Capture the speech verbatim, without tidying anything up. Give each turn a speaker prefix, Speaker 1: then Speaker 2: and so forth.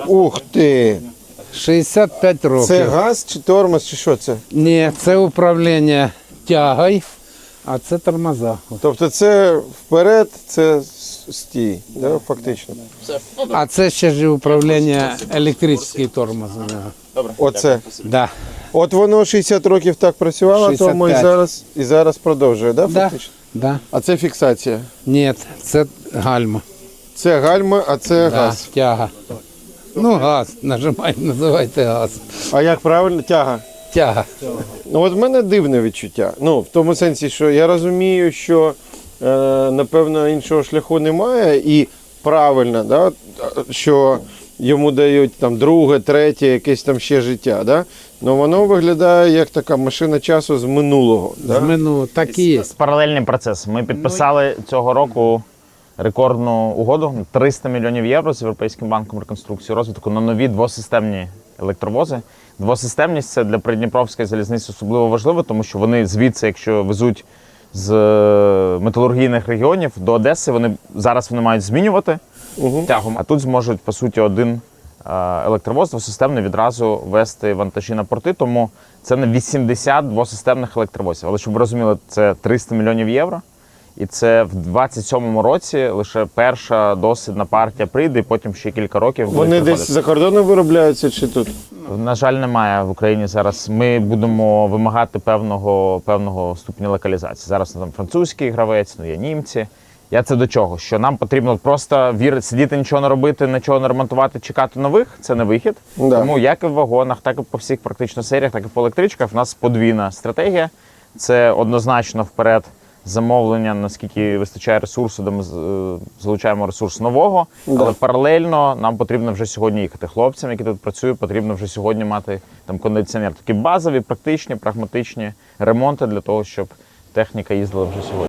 Speaker 1: Ух ти!
Speaker 2: шістдесят п'ять років.
Speaker 1: Це газ чи тормоз, чи що це?
Speaker 2: Ні, це управління тягою, а це тормоза.
Speaker 1: Тобто це вперед, це стій, да, фактично.
Speaker 2: А це ще ж управління електричний тормоз. у нього.
Speaker 1: Оце.
Speaker 2: Да.
Speaker 1: От воно шістдесят років так працювало,
Speaker 2: шістдесят
Speaker 1: тому і
Speaker 2: п'ять.
Speaker 1: зараз, і зараз продовжує, да,
Speaker 2: Да.
Speaker 1: фактично?
Speaker 2: Да.
Speaker 1: А це фіксація.
Speaker 2: Ні, це гальма.
Speaker 1: Це гальма, а це
Speaker 2: Да,
Speaker 1: газ.
Speaker 2: тяга. Ну, газ, нажимайте, називайте газ.
Speaker 1: А як правильно? Тяга.
Speaker 2: Тяга.
Speaker 1: Ну, от в мене дивне відчуття. Ну, в тому сенсі, що я розумію, що е, напевно іншого шляху немає, і правильно, да, що йому дають там друге, третє, якесь там ще життя. Да? Ну воно виглядає як така машина часу з минулого.
Speaker 2: З
Speaker 1: Да?
Speaker 2: минулого так і є.
Speaker 3: Паралельний процес. Ми підписали цього року рекордну угоду триста мільйонів євро з Європейським банком реконструкції і розвитку на нові двосистемні електровози. Двосистемність – це для Придніпровської залізниці особливо важливо, тому що вони звідси, якщо везуть з металургійних регіонів до Одеси, вони зараз вони мають змінювати
Speaker 1: Угу.
Speaker 3: тягом, а тут зможуть, по суті, один електровоз двосистемний відразу вести вантажі на порти, тому це не вісімдесят двосистемних електровозів. Але щоб ви розуміли, це триста мільйонів євро. І це в двадцять сьомому році лише перша дослідна партія прийде, і потім ще кілька років будуть
Speaker 1: Вони
Speaker 3: приходити.
Speaker 1: десь за кордоном виробляються чи тут?
Speaker 3: На жаль, немає в Україні зараз. Ми будемо вимагати певного, певного ступеня локалізації. Зараз там французький гравець, ну є німці. Я це до чого? Що нам потрібно просто вірити, сидіти, нічого не робити, нічого не ремонтувати, чекати нових – це не вихід.
Speaker 1: Да.
Speaker 3: Тому як і в вагонах, так і по всіх практично серіях, так і по електричках в нас подвійна стратегія. Це однозначно вперед замовлення, наскільки вистачає ресурсу, де ми е, залучаємо ресурс нового,
Speaker 1: Да.
Speaker 3: але паралельно нам потрібно вже сьогодні їхати. Хлопцям, які тут працюють, потрібно вже сьогодні мати там кондиціонер. Такі базові, практичні, прагматичні ремонти для того, щоб техніка їздила вже сьогодні.